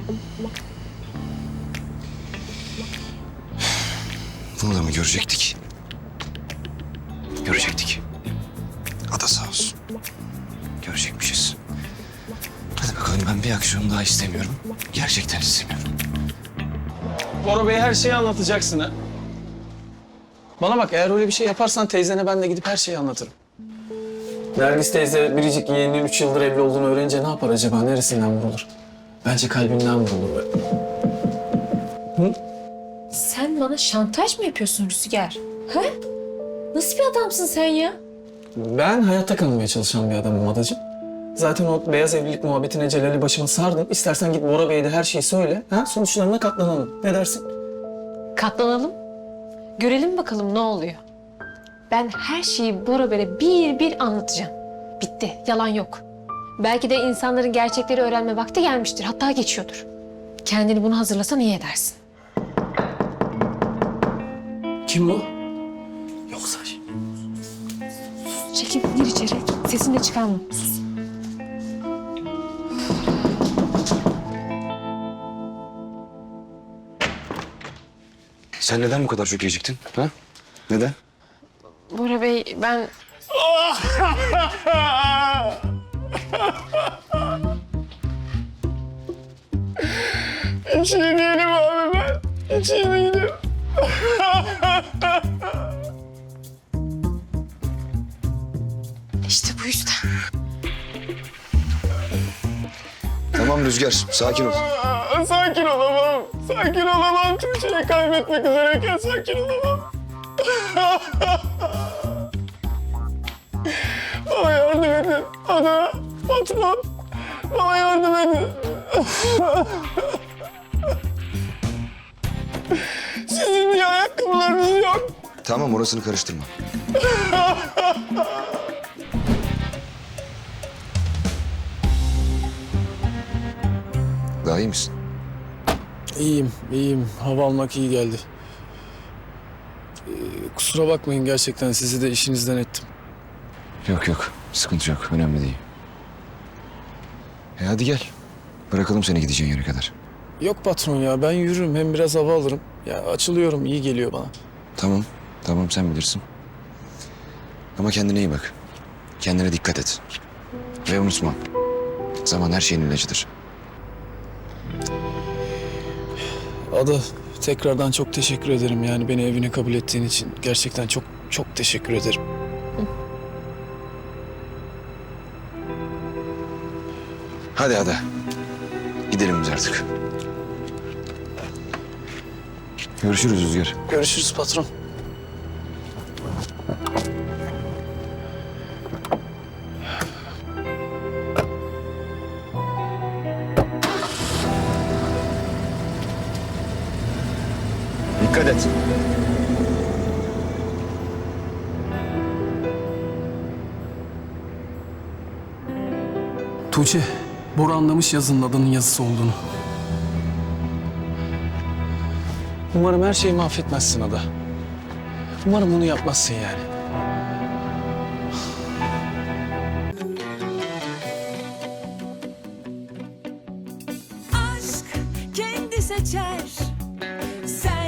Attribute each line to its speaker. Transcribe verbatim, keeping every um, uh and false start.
Speaker 1: Bunu da mı görecektik? Görecektik. Ada sağ olsun. Görecekmişiz. Hadi bakalım, ben bir aksiyon daha istemiyorum. Gerçekten istemiyorum.
Speaker 2: Bora Bey'e her şeyi anlatacaksın ha. Bana bak, eğer öyle bir şey yaparsan teyzene ben de gidip her şeyi anlatırım. Nergis teyze biricik yeğeninin üç yıldır evli olduğunu öğrenince ne yapar acaba? Neresinden vurulur? Bence kalbinden vurulur. Hı?
Speaker 3: Sen bana şantaj mı yapıyorsun Rüzgar? Ha? Nasıl bir adamsın sen ya?
Speaker 2: Ben hayatta kalmaya çalışan bir adamım adacığım. Zaten o beyaz evlilik muhabbetine Celal'i başıma sardım. İstersen git Bora Bey'e de her şeyi söyle. Ha? Sonuçlarına katlanalım. Ne dersin?
Speaker 3: Katlanalım. Görelim bakalım ne oluyor. Ben her şeyi Bora Bey'e bir bir anlatacağım. Bitti. Yalan yok. Belki de insanların gerçekleri öğrenme vakti gelmiştir. Hatta geçiyordur. Kendini bunu hazırlasan iyi edersin.
Speaker 2: Kim bu? Yoksa...
Speaker 3: Çekil, gir içeri. Sesini de çıkarma. Sus.
Speaker 1: Sen neden bu kadar çok geciktin? Ha? Neden?
Speaker 3: Bora Bey, ben...
Speaker 2: Hiç iyi değilim abi ben. Hiç iyi değilim.
Speaker 3: İşte bu yüzden.
Speaker 1: Tamam Rüzgar, sakin ol.
Speaker 2: Sakin olamam. Sakin olamam. Tuğçe'yi kaybetmek üzereyken sakin olamam. Bana yardım edin. Ada, patron. Bana yardım edin. Sizin niye ayakkabılarınız yok?
Speaker 1: Tamam, orasını karıştırma. Daha iyi misin?
Speaker 4: İyiyim, iyiyim. Hava almak iyi geldi. Ee, kusura bakmayın, gerçekten sizi de işinizden ettim.
Speaker 1: Yok yok, sıkıntı yok. Önemli değil. E hadi gel. Bırakalım seni gideceğin yere kadar.
Speaker 4: Yok patron ya, ben yürürüm, hem biraz hava alırım. Ya açılıyorum, iyi geliyor bana.
Speaker 1: Tamam, tamam sen bilirsin. Ama kendine iyi bak. Kendine dikkat et. Ve unutma, zaman her şeyin ilacıdır.
Speaker 4: Ada, tekrardan çok teşekkür ederim. Yani beni evine kabul ettiğin için gerçekten çok çok teşekkür ederim.
Speaker 1: Hadi hadi. Gidelim biz artık. Görüşürüz Rüzgar.
Speaker 4: Görüşürüz patron.
Speaker 1: Dikkat et.
Speaker 4: Tuğçe, Bora anlamış yazının adının yazısı olduğunu.
Speaker 2: Umarım her şeyi mahvetmezsin Ada. Umarım bunu yapmazsın yani.
Speaker 5: Aşk kendi seçer. Sen